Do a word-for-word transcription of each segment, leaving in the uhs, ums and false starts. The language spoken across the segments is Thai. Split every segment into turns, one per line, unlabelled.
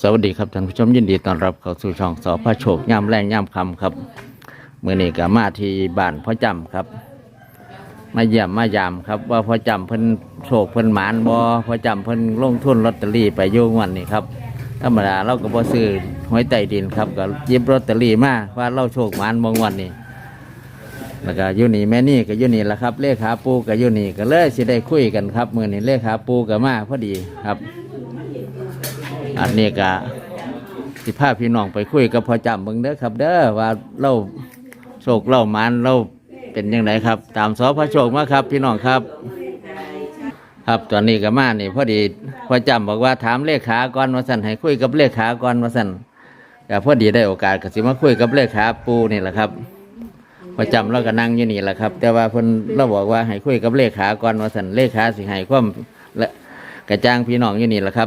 สวัสดีครับท่านผู้ชมยินดีต้อนรับเข้าสู่ช่องสพระโชคย่ำแรงย่ำคำครับเมื่อนี้ก็มาที่บ้านพ่อจำครับมาเยี่ยมมายามครับว่าพ่อจำเพิ่นโชคเพิ่นหมานบ่พ่อจำเพิ่นลงทุนลอตเตอรี่ไปโยงวันนี้ครับธรรมดาเราก็บ่ซื้อหวยใต้ดินครับก็หยิบลอตเตอรี่มาว่าเราโชคหมานบางวันนี้แล้วก็อยู่นี่แม่นี่ก็อยู่นี่แหละครับเลขาปูก็อยู่นี่ก็เลยสิได้คุยกันครับมื่อนี้เลขาปูก็มาพอดีครับอันนี้ก็สิพาพี่น้องไปคุยกับพ่อจำเบิ่งเด้อครับเด้อว่าเราโชคเราหมานเราเป็นยังไงครับตามสพระโชคมาครับพี่น้องครับครับตอนนี้ก็มานี่พอดีพ่อจำบอกว่าถามเลขาก่อนว่าสั่นให้คุยกับเลขาก่อนว่าสั่นก็พอดีได้โอกาสก็สิมาคุยกับเลขาปูนี่แหละครับพ่อจำเราก็นั่งอยู่นี่แหละครับแต่ว่าเพิ่นเราบอกว่าให้คุยกับเลขาก่อนว่าสั่นเลขาสิให้ความและกระจ่างพี่น้องอยู่นี่แหละครับ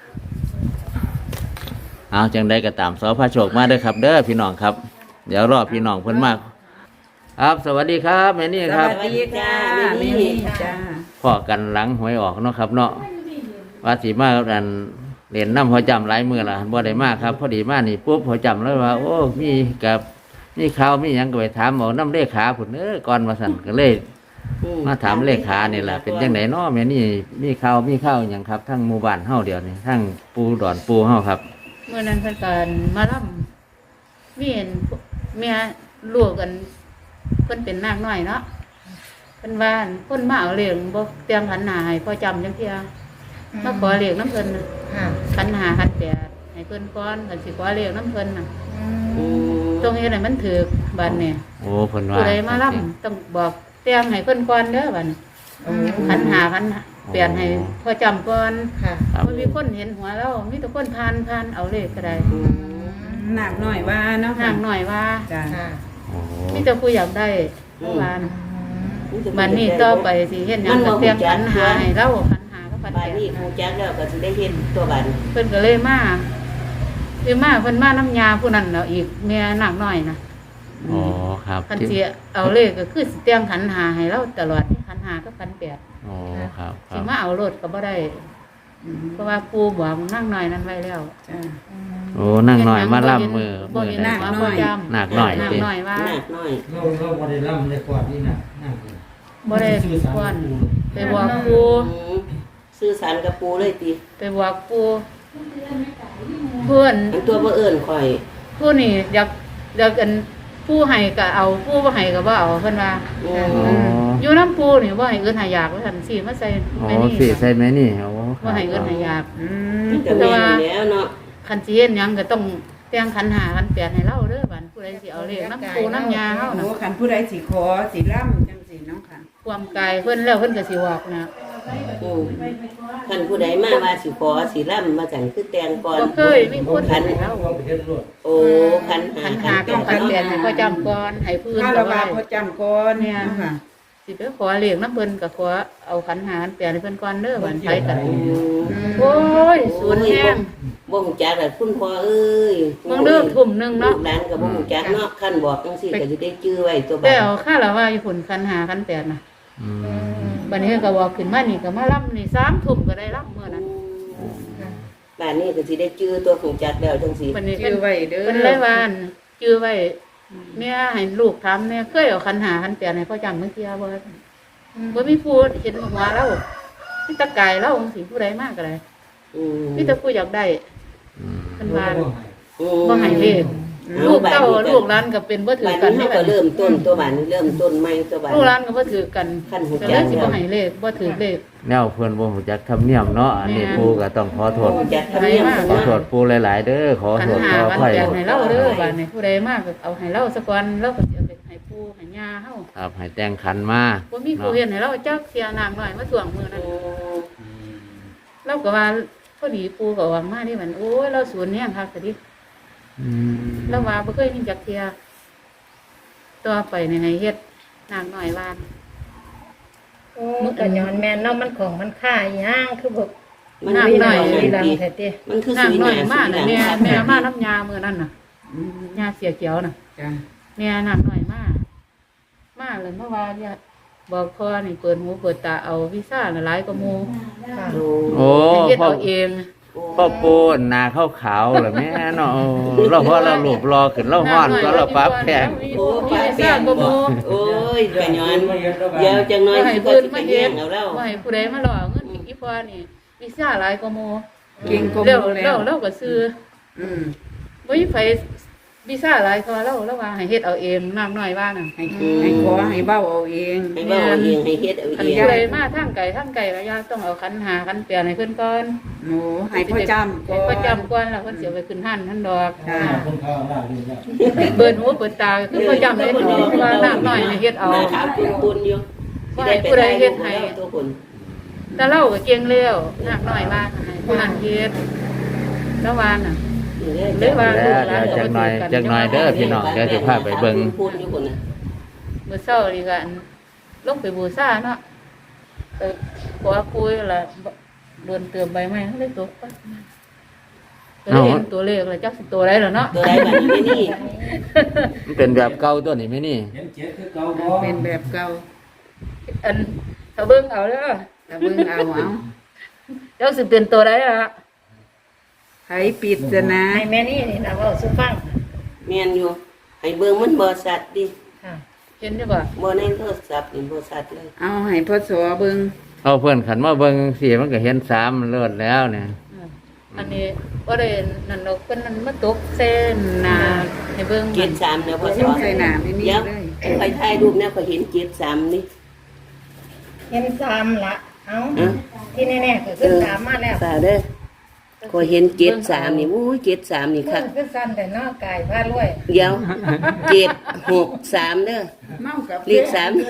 เอาจังได้ก็ตามสพระโชคมาเด้อครับเด้อพี่น้องครับเดี๋ยวรอพี่น้องเพิ่นมากครับสวัสดีครับแม่นี่ครับ
สวัสดีจ้าแม่นี่จ้า
พ่อกันหลังหวยออกเนาะครับเนาะว่าสีมาอันเรียนน้ำพอจำหลายมือละบ่ได้มากครับพอดีมานี่ปุ๊บพอจำแล้วว่าโอ้มีกับมีข่าวมีหยังก็ไปถามเอาน้ำเลขาผุนเออก่อนมาสั่นก็เลยมาถามเลขานี่แหละเป็นยังไงเนาะแม่นี่มีข่าวมีข่าวอย่างครับทั้งหมู่บ้านเฮาเดียวนี่ทั้งปูดอนปูเฮาครับ
เมื่อนั้นเพิ่นกันมาล่ำมีเห็นเมียลูกกันเพิ่นเป็นนางน้อยเนาะเพิ่นว่าเพิ่นมาเอาเหรียญบ่เตรียมขันหาให้พอจำจังเที่ยมาขอเหรียญน้ำเพิ่นน่ะขันหาขันแปดให้เพิ่นก่อนเพิ่นสิขอเหรียญน้ำเพิ่นน่ะตรงนี้น่ะมันถือบัดเนี่ย
โอ้เพิ่นว่า
ผู้ใดมาล่ำต้องบอกเตรียมให้เพิ่นก่อนเด้อบัดขันหาขันเปลี่ยนให้พอจำก่อนค่ะมันมีคนเห็นหัวแล้วมีแต่คนพานพานเอาเลขก็ได้
หนักหน่อยว่าเนาะ
หนักหน่อยว่า
จ้า
มีแต่ผู้อยากได้เมื่อวานมันนี่ต่อไปสิเห็นยังก็เตรียมขันหาให้เราขันหาก็พันแปด
นี่คงแจ้งแล้วก็สิได้เห็นตัวบัน
เพิ่นก็เลยมาคือมาเพิ่นมาน้ำยาผู้นั้นแล้วอีกเมียหนักหน่อยนะ
อ๋อครับ
คันสิเอาเลขก็คือสิเตรียมขันหาให้เราตลอดขันหาก็พันแปด
อ๋อครับ
สิมาเอารถก็บ่ได้เพราะว่าปู่บอกนั่งหน่อยนั้นไว้แล้ว
โอ้นั่งหน่อยมาล่ำมือมือ
หนักหน่อย
หนักหน่อย
หนักหน่อยว่า
หนักหน่อย
เราเราบ่ได้ล่ำได้กอดนี่นะนั่ง
บ่ได้ก่อนไปบอกปู่
ซื้อสารกับปูเลยติ
ไปบอกปู่เพื่อน
ตัวบ่เอิ้นข่อย
ผู้นี่อยากอยากกันผู้ให้ก็เอาผู้บ่ให้ก็บ่เอาเพิ่นว่าอยู่น้ำปูนี่บ่ให้เอิ้นหายากว่าซั่นสิมาใส่
แม่นี่อ๋อสิใส่แม่นี่โอ้
บ่ให้เอิ้นหายากอืม
แต่ว่าแล้วเนาะ
คันสิเฮ็ดหยังก็ต้องแต่งขันหาขันแปดให้เราเด้อบัดผู้ใดสิเอาเลขน้ำปูน้ำยาเฮาน่ะ
โอ้คันผู้ใดสิขอสิล่ำจังซี่เนาะค่ะ
ความกายเพิ่นแล้วเพิ่นก็สิบอกนะ
อือคันผู้ใดมาว่าสิขอสิล่ำมาจังคือแต่งก่อน
บ่เคยมีคนขันเรา
โอ้ขันหา
ขันหากับขันแปดให้พ่อจำก่อนให้พื้น
ก็ว่าพ่อจำก่อนเนี่ยค่ะ
สิไปขอเลขน้ำเพิ่นก็ขอเอาขันหาขันแปดให้เพิ่นก่อนเด้อบัดไปกันโอ้ยสูญแห้ง
บ่ฮู้จักล่ะคุณพ่อเอ้ย
มึงเลิกทุ่มนึงเนาะ
หลานก็บ่ฮู้จักเนาะคันบอกจังซี่ก็สิได้จื้อไว้ตัวบัด
แต่เอาค่าละว่าอยู่ผลขันหาขันแปดน่ะอืมบัดนี้ก็บอกขึ้นมานี่ก็มารับนี่สามทุ่มก็ได้รับมื้อนั้น
บ้านนี้ก็สิได้จื้อตัวฮู้จักแล้วจังซี่
จื้อไว้เด้อ
เพิ่นเลยว่าจื้อไว้แม่ให้ลูกถามแม่เคยเอาขันหาขันแปดให้พ่อจำเมื่อกี้บ่บ่มีผู้เห็นหัวเรามีตะกายเราจังซี่ผู้ใดมากก็ได้อืมมีแต่ผู้อยากได้เพิ่นว่าบ่ให้เลขลูกเต้าลูกหลานก็เป็นบ่ถือกัน
นี่ก็เริ่มต้นตัวบ้านเริ่มต้นใหม่ตัวบ้าน
ลูกหลานก็บ่ถือกันก็เลยสิบ่ให้เลขบ่ถือเลข
แนวเพิ่นบ่ฮู้จักธรรมเนียมเนาะอันนี้ปู่ก็ต้องขอโทษขอโทษปู่หลายๆเด้อขอโทษขออภัย
ให้เราเด้อบัดนี้ผู้ใดมาก็เอาให้เราซะก่อนเราก็สิเอาไปให้ปู่ให้ย่าเฮา
ครับให้แต่งขันมา
บ่มีผู้เฮ็ดให้เราจักเสียน้ำน้อยมาถ่วงมื้อนั้นเราก็ว่าพอดีปู่ก็ว่ามานี่มันโอ้ยเราสูญแฮงคักซะดิอืมแล้วว่าบ่เคยมีจักเที่ยต่อไปในให้เฮ็ดนางน้อยวาน
โอ้ก็ย้อนแม่นเนาะมันของมันค่าอีหยังคือบ่
มันนางน้อย
นี่ดังแท้ติ
มันคือนาง
น้อยมาน่ะแม่แม่มาน้ำยามื้อนั้นน่ะยาเสียเขียวน่ะจ้ะแม่นางน้อยมามาเลยเมื่อวานเนี่ยบอกพ่อนี่เปิดหูเปิดตาเอาวีซ่าหลายกว่าหมู่
โอ้
เฮ็ดเอาเอง
โ
พ่อปูนหนาขาวขาวๆเหรอแม่เนาะโอ้เราเพราะเราหลบรอขึ้นเราห้อนก็เราปรับแพง
โอ้ปลาแป้งบ่โอ้ยกระย้อนเดี๋ยวจังน้อย
ให้
สิบ่
เพิ่น
สิไป
มา
แย่
เฮ็ด
งเอาเรา
บ่ให้ผู้ใดมาหลอกเงินอีพ่อนี่วิชาหลายกว่าหมู่
เก่งกว่าห
แล้ว
มู่แล้
แล้ว วเราก็ซื้อ
อืม
บ่มีไผวิชาหลายกว่าเราเราว่าให้เฮ็ดเอาเองน้ำน้อยว่าน่ะ
ให้ให้ขอให้เบ้าเอาเอง
ให้เว้าเอาเองให้เฮ็ดเอา
คัน
เอง
ผู้ใดมาทางไกลทางไกลก็อย่าต้องเอาขันหาขันเปลี่ยนให้เพิ่นก่อน
หนูให้พ่อจำก่
ให้
อน
พ่อจำก่อนแล้วเพิ่นสิเอาไปขึ้นหันท่านดอก
ค่ะ
คนข้าวราดนี่แล้ว
เปิดหูเปิดตาคือพ่อจำเลยว่าน้ำน้อยให้เฮ็ดเอา
หน้าขาวปุนๆอยู่สิได้ไป
ผู้ใดเฮ็ดให้
ตัวคน
แต่เราก็เก่งแล้วน้ำน้อยว่าให้ผู้นั้นเฮ็ดแล้วว่าน่ะ
เด้อ
เลยว่า
แล้วเดี๋ยวจักหน่อยจักหน่อยเด้อพี่น้องเดี๋ยวสิพาไปเบิ่ง
ปุนอยู่คนน่ะ
เมื่อเช้านี่ก็อันลงไปบูชาเนาะไปขอปุ้ยละโดนเติมใบไม้เลยตกไปก็เลยเห็นตัวเลขแล้วจักสิตัวใดแล้วเนาะ
ตัวใดบัดนี้ไม่นี่
มันเป็นแบบเก่าตัวนี้ไหมนี่
เห็นเจ็ดคือเก่าบ่
เป็นแบบเก่า
อันถ้าเบิ่งเอาเด้อ
แต่เบิ่งเอาเอา
จักสิเป็นตัวใดล่ะ
ไผปิดซะนะ
ให้แม่นี่นี่นะเว้าสู่ฟัง
แม่นอยู่ให้เบิ่งมันบ่สัตว์ดิ
ค่ะ
เห็นได้บ่
บ่ในโทรศัพท์นี่บ่สัตว์เลย
เอาให้พ่อสอเบิ่ง
เอาเพื่อนขันมาเบิ่งสิมันก็เห็นสามมันเลิศแล้วเนี่ย
อืมอันนี้บ่ได้นั่นดอกเพิ่นนั่นมาตกเส้นหน้าให้เบิ่ง
เจ็ดสามเนี่ยบ่ส
เบิ่ง
อน
ใส่หน้าไม่นี่
เดี๋ยว
เลย
ไปถ่ายรูปเนี่ยก็เห็นเจ็ดสามนี่
เห็นสามละเอ้า
อ่ะ
ที่แน่ๆก็คือสามมาแล้ว
สาเด้อก็เห็นเจ็ดสามนี่อู้ยเจ็ดสามนี่
มื
คั
อก คือสั่นแต่เนอกกายพารวย
เดี๋ยวเจ็ดหกสามเด้อ
เมากับ
เลขสาม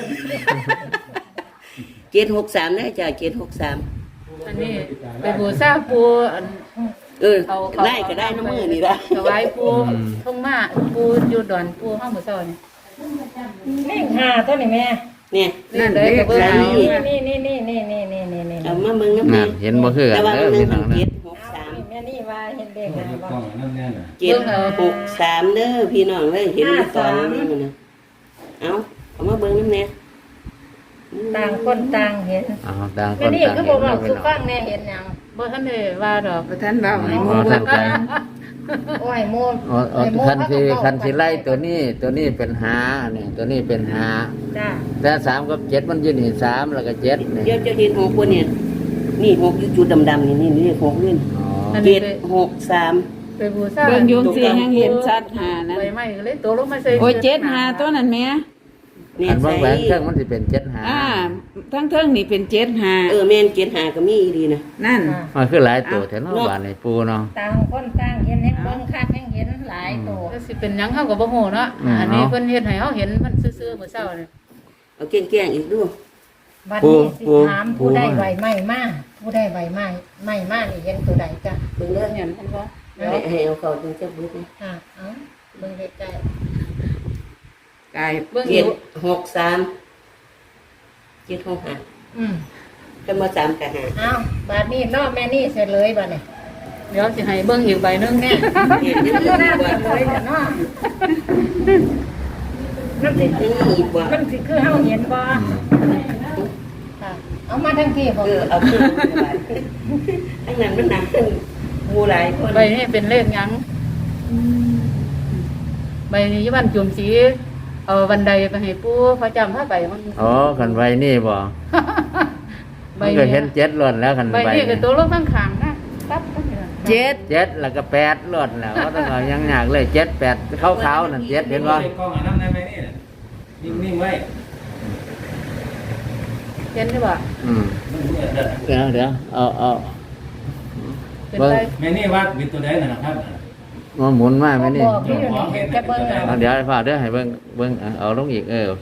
เจ็ดหกสามได้จ้ะเจ็ดหกสาม
อันนี้ไปบูชาปูอัน
เออ
เอาเขา
ได้ก็ได้น้ำมือนี่ละ
ถวายปูท่องมาปูอยู่ดอนปูห้องหมู่เจ้านี่
เลขห้าตัวนี่แม่
เนี่ย
นั่น
เล
เล
ข
ข
เบิ่ง
สาม
เอา
นี่นี่นี่นี่นี่นี่นี่นี่
เอามาเบิ่งน้ำ
นั่
นี่
นเห็นบ่คือกั
แต่
น
ว่า
เด้อ
เบิ่ง
พี่น้อง
เจ็
นะ
ดหกสาม
แม่นี่ว่าเห็นเลข
เห็
ห้าน บ่
กล้องนั่นแน่น่ะ
เจ็ดหกสามเด้อพี่น้องเลยเห็นอยู่ตอนนี้มันนะเอาเอามาเบิ่งน้ำเนี่ย
ต่างคนต่างเห็น
เอาต่างค
แม่
น
นี่
ต่าง
คือ
เห็
บ่
น
เว้า
เนาะพี่
สู่
น้อง
ฟังแน่เห็นหยัง
บ่ทันได้ว่าดอก
บ่ทันเว้าให้ห
อ๋
มู่
อ
เบิ่
ท่าน
ง
ใจ
โอ้ยโม
อ๋ออ๋อ
ไอ้โม
คันสิ
เขาก็เว้า
คันสิไล่ตัวนี้ตัวนี้เป็นหาเนี่ยตัวนี้เป็นหา
จ้า
แต่สามกับเจ็ดมันอยืนนี่สามแล้วก็เจ็ดเนี่ย
เดี๋ยวจะเห็นหกคนเนี่ยนี่หกอยู่จุดดำๆนี่นี่นี่หกนี่
อ๋อ
อัน
เจ็
นี้
ด
ไป
หกสาม
ไปบูชา
เบิ่งโยงสิยังเห็นชัดหานะ
ใบไม้ก็เลยตกลงมาใส่
โอ้ยเจ็ดหาตัวนั้นแม่
เนี่ย
อัน
ใส่
บางแหวนเครื่องมันสิเป็นเจ็ดหา
อ่าทั้งเทิงนี่เป็นเจ็ดหา
เออแม่นเจ็ดหาก็มีอีดีนะ
นั่น
มันคือหลายตัวแต่เนาะบ้านในปูเนาะ
ต่างคนต่างเห็นให้เบิ่งคักให้เห็นหลายตัว
ก็สิเป็นหยังเฮาก็บ่ฮู้เนาะอันนี้เพิ่นเฮ็ดให้เฮาเห็นมันซื่อๆมื้อเช้านี่
เอาแกล้งๆอีกดู
บัดนี้สิถามผู้ได้ใบไม้มาผู้ได้ใบไม้ไม้มานี่เห็นตัวใดจ้ะ
เบิ่งเด้อ
เห็นเพิ่นบ่
ให้ให้เอาเข้าจังจะเบิ่ง
อ่าเอ้าเบิ่งใกล้
กาย
เบิ่งอ
เจ็ด
ยู่
หกสามเจ็ดหกห้า
ๆอืม
ก็มาสามกับห้า
เอ้าบัดนี้เนาะแม่นี่เสร็จเลยบัดนี้
เดี๋ยวสิให้เบิ่งอีกใบหนึงแน่
เห็นยัง
ก็
มี
น่า
บ่
เสร็จเลยจ้ะเนาะมันสิ
ยังมีอีกบ่
มันสิคือเฮาเห็นบ่ค่ะเอามาทั้งที่บ่
เออเอาขึ้นมาทั้งนั้นมันหนักขึ้นหมู่หลายคน
ใบนี้เป็นเลขหยังใบนี้อยู่บ้านจุ่มสีเอาบันไดไปให้ปู่พระจำพาไปมัน
อ๋อคันใบนี่บ่
ใบ
มันก็เห็นเจ็ดล้วนแล้วคัน
ใบ
ใบ
นี้ก็
นี่
ตัวลงข้างๆนะปั๊บปั๊บนี่ล่ะ
เจ็ด
เจ็ดแล้วก็แปดล้วนแล้วก็ต้องเอายังยากเลยเจ็ดแปดขาวๆนั่นเจ็ดเห็นบ่
ใส่กล้องอันนั้นได้ไหมนี่น่ะนิ่งๆไว้
เห็นได้บ่
อืม
มันเหมือนเด้อ
เดี๋ยวเดี๋ยวเอาเอา
เป็น
เบิ่ง
ใบ
แม่นี่ว่าเป็นตัวใดน่ะนะครับ
มาหมุนมาไหมนี่
บอกที่อยู่นี่จะเบิ่งเอา
เอาเดี๋ยวให้พ่อเดี๋ยวให้เบิ่งเบิ่งเอาเอาลงอีกเออโอเค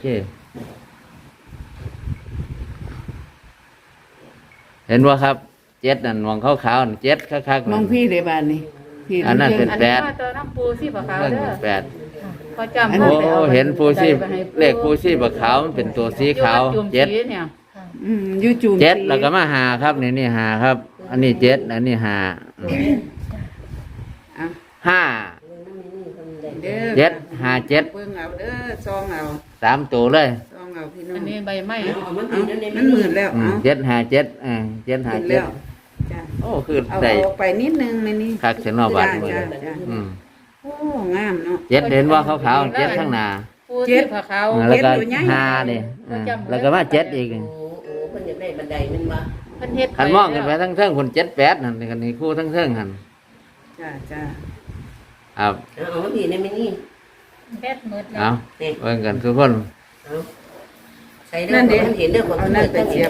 เห็นว่าครับเจ็ดนั่นมองขาวๆนั่นเจ็ดคักๆ
มองพี่เลยบ้านนี่พี่
อันนั้นเป็น
อัน
แป
นี้
ด
ว่าตัวน้ำปูสีขาว
เบิ่ง
ๆเด้อ
แปด
พระจำ
โอ้
พาไปอา
เห็นปูชี
ใส่ไปให้
เลขปูชีบักขาวมันเป็นตัวสีขาว
อยู่บ้นจุ่ม
เจ็ด
สีเนี่ย
อืมอยู่จูม
เจ็ด
สี
แล้วก็มาหาครับนี่นี่หาครับ อันนี้เจ็ดอันนี้หาอืม
อ่ะ
ห้า
เด้อ
เจ็ดห้าเจ็ด
เบิ่งเอาเด้อซองเอา
สามตัวเลย
ซองเอาพี่น้อ
อั
ง
นนี้ใบไม้
เอามัน
เอา
ผิดนั่นเอง
มันหมื่นแล้ว
อืม
เอา
เจ็ดห้าเจ็ดเออเจ็ดห้า
เห็น
เจ็
แล้
ด
วจ้ะ
โอ้คือ
เอา
ได้
ออกไปนิดนึงแม่นี่
คักเสียเนาะบาดนี้
จ้ะจ้ะ
อืม
โอ้งามเนาะ
เจ็ดเห็นว่าขาวๆเจ็ดข้างหน้า
ผู้ที่ผาขาว
อ่าแล้วก็
เจ็ดตัวใหญ่
ห้านี่อ่าแล้วก็มาเจ็ดอีก
โอ้โอ้เพิ่นอยากได้บันไดแมันบ่
เพิ่นเฮ็ด
คันมองกันไปทั้งเทิงคนเจ็ดแปดนั่นนี่กันนี่คู่ทั้งเทิงหัน
จ้าจ้า
ครับ
เอาเอามาพี่ได้ไหมนี่
แบดหมดแล้
เอา
ว
นี่
เบิ่งกันทุกคน
เอาใส่เด้อมันเห็นเด้อคน
เอา
ที่
นั่น
เปิด
ไป
เสี
เสี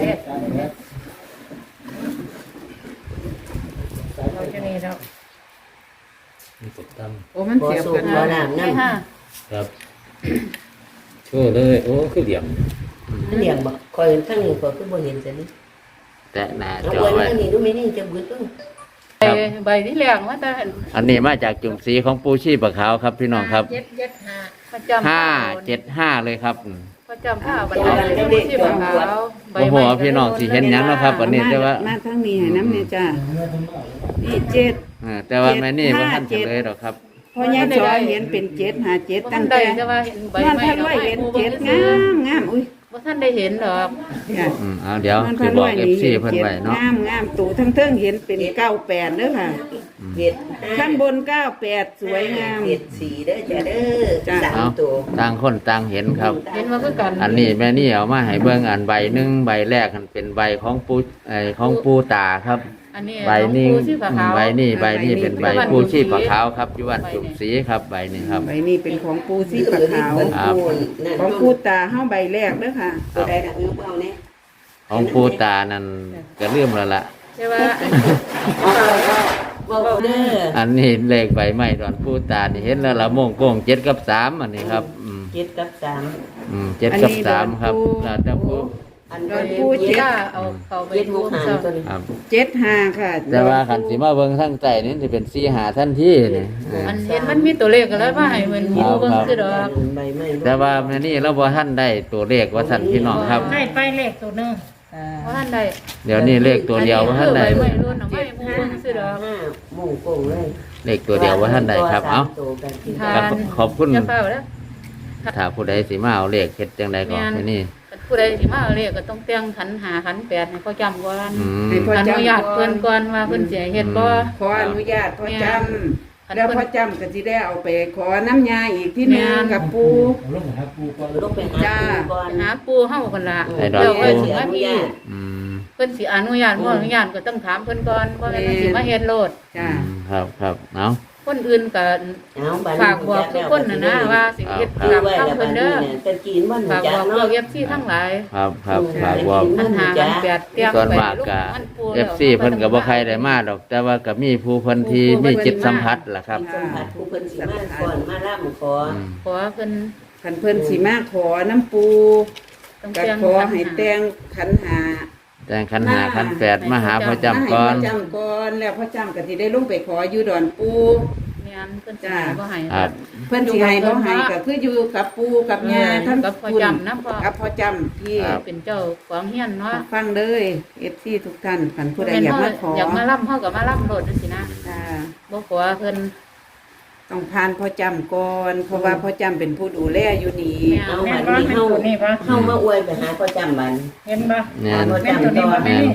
ย
ย
บบ
เราจะนี่แล้ว
มีตกต
โอ้มัน
บ่
เสียบ
สู
กับ น
บ่
เนาะ
น้ำ
ไม่
น้ำ
ห้า
ำครับโอ้เลยโอ้คือเหลี่ยม
มันเลี้ยงบ่คอยทั้งนี้ก็คือบ่เห็นซะนี่
แต่หน้า
เอา
จอ
ไว้
ไว้
ทั้งนี้ดูไหมนี่จะบึดเด้อ
ใบใบที่แรงว่าแต่
อันนี้มาจากจุ่มสีของปูชีปะขาวครับพี่น้องครับ
เจ็ดเจ็ดห้า
ประจำ
ห้าเจ็ดห้าเลยครับ
ประจำผ้าบันไดผู้ที่ผาขาวใบ
โอ้โห
ไม้
พี่น้องสิเห็นหยังเนาะครับวันนี้แต่ว่า
มาทางนี้ให้น้ำเนี่ยจ้านี่เจ็ด
เออแต่ว่าแม่นี่
เจ็
บ่
ด
ทัน
ห้า
เฉลยหรอกครับ
พอยายจอยเห็นเป็นเจ็ดหาเจ็ด
บ่
ตั้
ทั
ง
นได้
แต่
แต่ว่าเห็นใบ
นอน
ไม้
พันร้อยเห็นเจ็ดงามงามอุ้ย
บ่ทันได้เห็นดอก
จ้ะ
อืมเอาเดี๋ยวน
อน
สิ
พัน
บอ
ร้
ก
อย
เอฟ
นี่
ซี
เห็น
เพิ่น
เจ็ด
ไว้เนาะ
งามงามตู่ทั้งเทิงเห็นเป็นเก้าแปดเด้อค่ะ
เห็ด
ข้างบนเก้าแปดสวยงาม
เห็ดสีเด้อจ้ะเด้อ
จ้ะ
สาม
เอา
ตัว
ต่างคนต่างเห็นครับ
เห็นว่าคือกัน
อันนี้แม่นี่เอามาให้เบิ่งอันใบหนึงใบแรกมันเป็นใบของปูไอของปูตาครับ
อันนี้
ใบนี้
ผู้ที่ผาขาว
ใบนี้ใบนี้เป็นใบ
ใบนี้
ปูชีพขาวครับอยู่วันจุ่มสีครับใบนี้ครับ
ใบนี้เป็นของปูสีปะขาว
ครับ
ของปูตาเฮาใบแรกเด้อค่ะ
ตัวใดดักนิ้วเอาเนี่ย
ของปูตานั่นก็ลืมแล้วล่ะ
ใช่ว่าอัน
เอาเด้อ
อันนี้เลขใบไม้ตอนปูตานี่เห็นแล้วละโมงโก้งเจ็ดกับสามอันนี้ครับอืม
เจ็ดกับสาม
อืมเจ็ดกับสามครับแล้วแต่ผู้
อัน
ดอน
นี้
ปูเจ็ด
ถ้าเอาเข้าไป
เจ็ดห
ดู
กหาง
ซ้
ตัวนี้
ครับ
เจ็ดห้าค่ะ
แต่ว่าขันสีมาเบิ่งทั้งใจนี่จะเป็นสีหาท่านที่นี่เออ
ำอันเห็นมันมีตัวเลขกันแล้วว่าให้มันมีเบิ่งคือดอก
ใบไม้
แต่ว่าแม่นี่เราบ่ท่านได้ตัวเลขว่าท่านพี่น้องครับ
ได้ไปเลขตัวหนึง
ว่าท่านใด
เดี๋ยวนี้เลขตัวเดียวว่าท่านใด
อัคือใบไม้รุ่นเอาไม่มูเบิ่งคือดอก
ห้าหมู่โกงเลย
เลขตัวเดียวว่าท่านใดครับเอ้า
ตัวกันที่
ทา
ครับ
น
ขอบคุณ
จะเฝ้าแล้ว
ถ้าผู้ใดสิมาเอาเลขเฮ็ดจังใดก่อนแม่นี่
ผู้ใดสิมาเอาเลขก็ต้องเตียงขันหาขันแปดให้เขาจำก่อน
อืม
ให้พ่อ
อ
จำ
นุญาตเพิ่นก่อนว่าเพิ่นสิให้เฮ็ดบ่
ขออนุญาตพ่อจ
อัน
ำแล้ว
เพิ่น
พ่อจำก็สิได้เอาไปขอน้ำยาอีกที่หนึงกับปู
เอาลงหาปูก่อน
ลงไปหา
จ้า
ปูก่อน
หาปูเฮากันล่ะ
ให้ดอก
แล้ว
ปู
เพิ่นสิมาพี่
อืม
เพิ่นสิอนุญาตบ่อนุญาตก็ต้องถามเพิ่นก่อนว่าแม่นเพิ่นสิมาเฮ็ดโลด
จ้า
อืมครับครับเอ้า
คนอื่นก็
เอาบัด
ฝากบอกทุกคนน่ะนะว่าสิเฮ็ด
คือ
ตาม
ไว้
คำ
แล้วบั
เพิ่
ด
น
นี้
เด้อ
เนี่ยแต่กินมัน
ฝาก
จั
บอกพ
เนาะ
วก เอฟ ซี ทั้งหลาย
ครับครับฝากบอก
ปัญหากันแปดเตียง
ส่วน
ไป
มาก
ลูก
ก็
มันปู
เอฟซีเพิ่นก็บ่ใครได้มาดอก แต่ว่าก็มีผู้เพิ่นที่มีจิตสัมผัสล่ะครับ
สัมผัสผู้เพิ่นสิมาก่อนมาล่ำขอ
อืม
ขอเพิ่น
ขันเพิ่นสีมาขอน้ำปู
ต้อง
กั
เตียง
ขอให้แต่งขันหา
แต่งขันหาขันแปดมาหาพ่อจำก่อน
มาให้พ่อจำก่อนแล้วพ่อจำก็สิได้ลงไปขออยู่ดอนปู
แม่นเพิ่นสิให้บ่ให้
ครับ
เพิ่นสิให้บ่ให้ก็คืออยู่กับปูกับย่าท่าน
กับพ่อจำนะพ่อ
กับพ่อจำที่
เป็นเจ้าของเฮียนเนาะ
ฟังเลย เอฟซีทุกท่านขันผู้ใดอยากมาขอ
อยากมาล่ำเฮาก็มาล่ำโลดจังซี่นะ
จ้า
บ่ขอเพิ่น
ต้องผ่านพ่อจำก่อนเพราะว่าพ่อจำเป็นผู้ดูแลอยู่นี่
แม่
เอา
แม่
บั
น
ด
บ่
นี้
แม่น
เฮา
ตัวนี้บ่
เฮามาอวยไปหาพ่อจำบัน
เห็นบ่
แม่น
แม่นตัวนี้บ่แม่นี่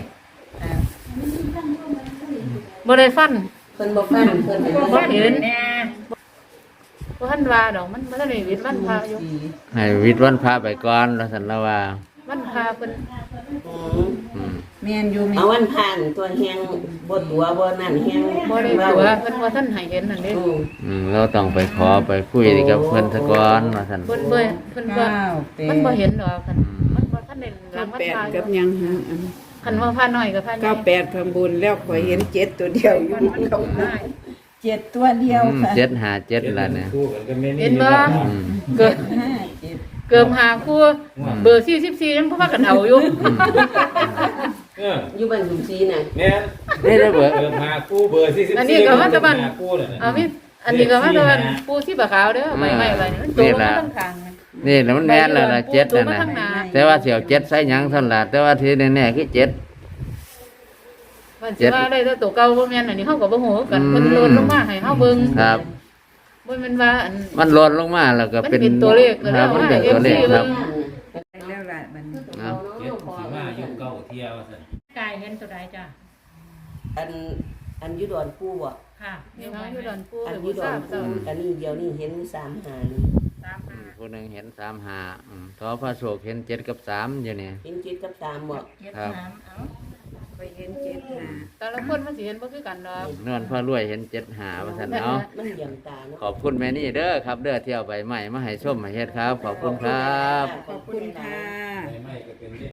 บ่ได้ฟัน
เพิ่นบ่ฟังเพิ่นเป็น
บ่เห็น
แน่
บ่ทันว่าดอกมันบ่ทันได้วิทย์วันพาอยู่
ให้วิทย์วันพาไปก่อนแล้วสันละว่า
วันพาเพิ่น
อืม
อืม
แม่นอยู่แม่
เอาวันผ่านตัวแฮงบ่ตัวบ่นั่นแฮง
บ่ได้ตัวเพิ่นบ่ทันให้เห็นนั่นเด้
อืม
อืมเราต้องไปขอไปคุยกับเพิ่นซะก่อนว่าซั่น
เพิ่นบ่เพิ่นบ่
เก้าแปด
มันบ่เห็นดอกคันมันบ่ทันได้หลังมัน
แปด
พาอ
กั
ยู่
บยังฮะ
คันว่าพาน้อยก็พาใหญ่
เก้าแปดข้างบนแล้วขอยเห็นเจ็ดตัวเดียวอยู่เขาเจ็ดตัวเดียว
อืม
ค่ะ
เจ็ดหาเจ็ดละเนี่ย
คู่กันก็แม่นี่
เห็นบ่
อืม
เกิด
ห้าเจ็ด
เกิมหาคู่เบอร์สี่สิบสี่ยังพากันเอาอยู่
เออ
อยู่บ้านสุซีน่ะ
แม่น
ได้ได้เบิด
เบอร์หาคู่เบอร์สี่สิบสี่
อันนี้ก็ว่าแตะบัน
หาคู่เลยนะ
เอามีอันนี้ก็ว่าแตะบันปูที่บะขาวเด้อใบไม้ใบนี้มันตัวมันต้องทาง
นี่แหละมันแม่นแล้วล่ะเจ็ด
ตัว
นั่น
มัน
น่ะ
ข้างหน้า
แต่ว่าเสี่ยวเจ็ดใส่หยังเท่านนล่ะแต่ว่าที่แน่ๆคือเจ็ด
มันสิว่าได้แต่ตัวเก่าบ่แม่นอันนี้เฮาก็บ่ฮู้กัน
อืม
เพิ่นโลนลงมาให้เฮาเบิ่ง
ครับ
บ่แม่นว่าอัน
มันหล่นลงมาแล้วก็เป็น
มันเป็นตัวเลขก็
ค
แล้
รั
ว
บมันเป็นตัวเลขครับ
แล้วล่ะมัน
เอา
เจ็ดสิบห้ายุคเก้าเที่ยวสิ
กายเห็นตัวใดจ้ะ
อันอันอยุดอนปูบ่
ค่ะ
เดี๋ยวเขาอยู่ดอนปู
อั
ห
น
รือ
อยุ
บ่
ดอ
ทราน บ
ปู
เจ้า
อันนี้เดียวนี่เห็นสามหานี่
สาม
อื
ห้าม
ผู้หนึ่งเห็นสามหาอืมทอพระโศกเห็นเจ็ดกับสามอยู่นี่
เห็นเจ็ดกับสามบ่
เจ็ด
ครับ
สามเอ้า
ไปเห็นเจ็ดหา
แต่ละคนมันสิเห็นบ่คือกันดอก
นวลพ่อรวยเห็นเจ็ดหาว่าสันเอา
มันเหยี่ยมตาเนาะ
ขอบคุณแม่นี่เด้อครับ เด้อเที่ยวใบใหม่มาให้ส้มมาเฮ็ดครับ ขอบคุณครับ
ขอบคุณค่ะ
ไม่ไม่ก็เป็น